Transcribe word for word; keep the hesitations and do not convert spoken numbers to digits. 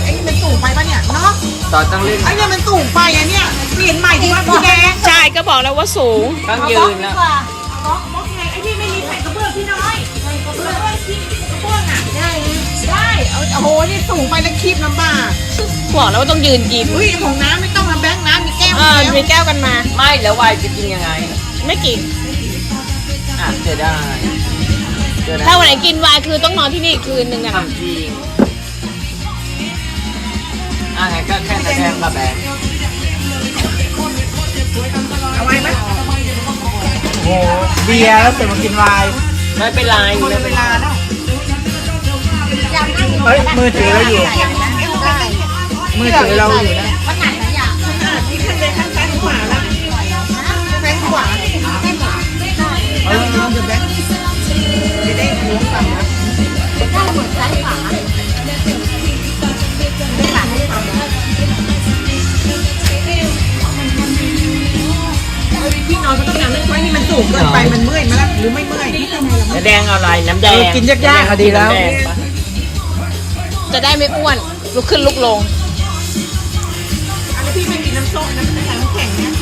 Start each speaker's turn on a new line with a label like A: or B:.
A: ไอ้นี่มันสูงไปปะเนี่ยเนาะ
B: ต่อต้องเล่น
A: ไอ้เนี่ยมันสูงไปอะเนี่ยเปลี่ยนใหม่ดีกว่าพี่แดง
C: ใช่ก็บอกแล้วว่าสูง
B: ต้องยืนแล้ว
A: บล็อกบล็อกไงไอ้นี่ไม่มีแผ่นกระเบื้องพี่น้อยกระเบื้องที่กระเบื้องอ่ะได้ได้เอาโอ้โหนี่สูงไปแล้วคีบลำบาก
C: บอกแล้วว่าต้องยืนกิน
A: อุ้ยของน้ำไม่ต้องมาแบงค์น้ำมีแก้ว
C: เออมีแก้วกันมา
B: ไม่แล้ววายจะกินยังไง
C: ไม่กิน
B: อ่ะจะได้จะได้
C: ถ้าวันไหนกินไวน์คือต้องนอนที่นี่อีกคืนหนึ่งอะ
B: ทำจริงอ่ะไงก็แค่นั้นแบงกับแบง
A: เอาไว้ไหม
D: โอ้โหเบียร์แล้วเสร็จมากินไวน์
B: ไม่เป็นไร
A: หมด
B: ไม่
A: เว
B: เป็นไร
A: ลาแล้ว
D: เฮ้ยมือถือเราอยู่ มือถือเราอยู่นะ
A: ขนาดที่ข้างในข้างซ้ายขวาละซ้ายขวาเออเดี๋ยวแบงค์จะได้ล้วงฝั่งนะได้หมดซ้ายขวาไม่หลังไม่ทำนะพี่นอนก็ต้องนอนไม่ค่อยนี่มันสูงเกินไปมันเมื่อยมาแล้วหรือไม่เมื่อย
B: น้ำแดงเอาอะไรน้ำแดง
D: เออกินยากๆอะดีแล้ว
B: น้ำดงปะ
C: จะได้ไม่อ้วนลุกขึ้นลุกลง
A: อันนี้พี่ไม่มีน้ำส้มนะไม่ใส่น้ำแข็งนะ